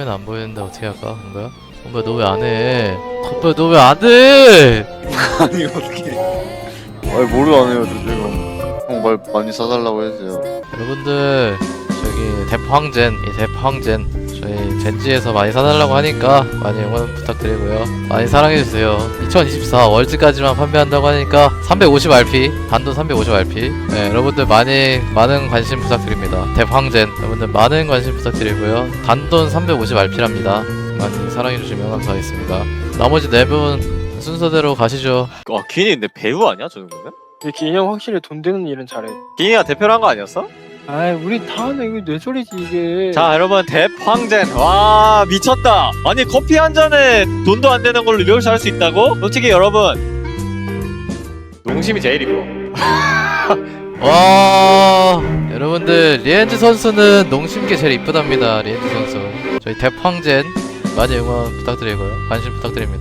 화면 안 보이는데 어떻게 할까? 뭔가요? 뭔가 너 왜 안 해? 오빠 너 왜 안 해? 아니 어떻게? 아니 뭐를 안 해요, 저 지금. 형 말 많이 사달라고 해주세요. 여러분들 저기 대포항젠 이 대포항젠 저희 젠지에서 많이 사달라고 하니까 많이 응원 부탁드리고요. 많이 사랑해주세요. 2024 월즈까지만 판매한다고 하니까 350RP 단돈 350RP 여러분들 많은 관심 부탁드립니다. 대포항젠 여러분들 많은 관심 부탁드리고요. 단돈 350RP랍니다. 많이 사랑해주시면 감사하겠습니다. 나머지 4분 순서대로 가시죠. 기인이 근데 배우 아니야 저 정도면? 근데 기인이 형 확실히 돈 되는 일은 잘해. 기인이가 대표를 한 거 아니었어? 아이 우리 다 하네. 이거 내 소리지 이게. 자 여러분 대황젠 와 미쳤다. 아니 커피 한 잔에 돈도 안 되는 걸로 이렇게 살 수 있다고? 솔직히 여러분 농심이 제일 이뻐. 와 여러분들 리엔즈 선수는 농심계 제일 이쁘답니다. 리엔즈 선수 저희 대황젠 많이 응원 부탁드리고요. 관심 부탁드립니다.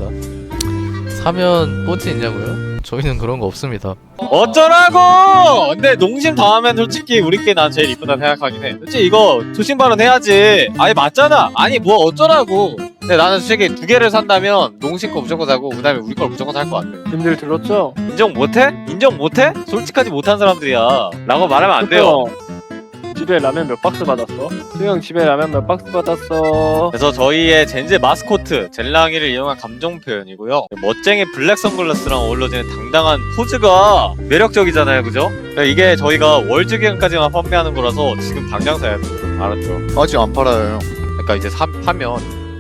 사면 뽀찌 있냐고요? 저희는 그런 거 없습니다. 어쩌라고! 근데 농심 다음엔 솔직히 우리께 난 제일 이쁘다 생각하긴 해. 솔직히 이거 조심 발언 해야지. 아니 맞잖아. 아니 뭐 어쩌라고. 근데 나는 솔직히 2개를 산다면 농심 거 무조건 사고 그 다음에 우리 걸 무조건 살 것 같아. 님들 들었죠? 인정 못해? 인정 못해? 솔직하지 못한 사람들이야 라고 말하면 안 돼요. 집에 라면 몇 박스 받았어? 수영 집에 라면 몇 박스 받았어? 그래서 저희의 젠제 마스코트 젤랑이를 이용한 감정 표현이고요. 멋쟁이 블랙 선글라스랑 어우러지는 당당한 포즈가 매력적이잖아요, 그죠? 이게 저희가 월즈 기간까지만 판매하는 거라서 지금 당장 사야 돼요. 알았죠? 아직 안 팔아요, 형. 그러니까 이제 팔면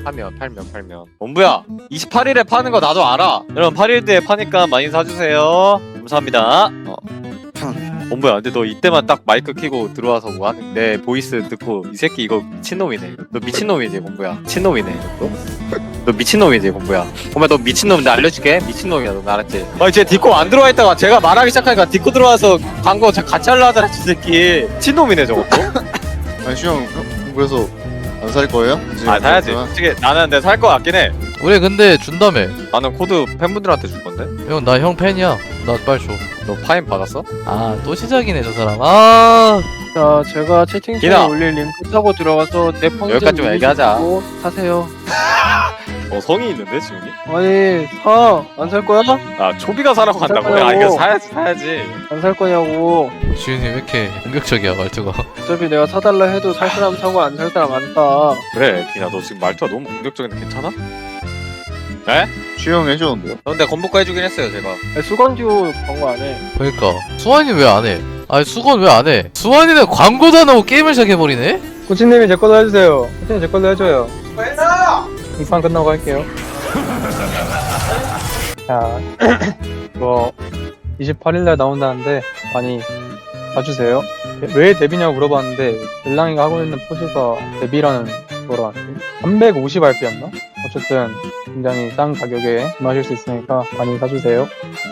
원부야 28일에 파는 거 나도 알아. 여러분 8일 뒤에 파니까 많이 사주세요. 감사합니다. 원부야 근데 너 이때만 딱 마이크 켜고 들어와서 뭐 하는 내 보이스 듣고 이 새끼 이거 미친놈이네. 너 미친놈이지 원부야. 미친놈이네 너 미친놈이지 원부야. 원부야 너 미친놈인데 알려줄게. 미친놈이야 너 알았지? 이제 디코 안 들어와 있다가 제가 말하기 시작하니까 디코 들어와서 광고 같이 하려 하더라. 저 새끼 미친놈이네 저것도. 아니 형 그래서 안 살 거예요? 사야지. 솔직히 나는 근데 살 거 같긴 해. 우리 근데 준다며. 나는 코드 팬분들한테 줄 건데. 형 나 형 팬이야. 나 빨리 줘. 너 파인 받았어? 아 또 시작이네 저 사람. 아 자 제가 채팅창에 기나. 올릴 링크 타고 들어가서 내 펑션 여기까지 좀 얘기하자. 사세요. 성이 있는데 지훈이? 아니 사 안 살 거야? 아 초비가 사라고 살 한다고? 거냐고. 이거 사야지. 안 살 거냐고. 지훈이 왜 이렇게 공격적이야 말투가. 어차피 내가 사달라 해도 살 사람 사고 안 살 사람 안 사. 그래 기나 너 지금 말투가 너무 공격적인데 괜찮아? 에? 주영 해줬는데요? 근데 건복과 해주긴 했어요 제가. 아니, 수건듀 광고 안 해. 그러니까 수환이 왜 안 해? 아니 수건 왜 안 해? 수환이는 광고도 안 하고 게임을 시작해버리네? 코치님이 제 거도 해주세요. 코치님 제 거도 해줘요. 이 판 끝나고 할게요. 자, 뭐 28일날 나온다는데 많이 봐주세요. 왜 데뷔냐고 물어봤는데 델랑이가 하고 있는 포즈가 데뷔라는 거로 왔지. 350RP였나? 어쨌든 굉장히 싼 가격에 구매하실 수 있으니까 많이 사주세요.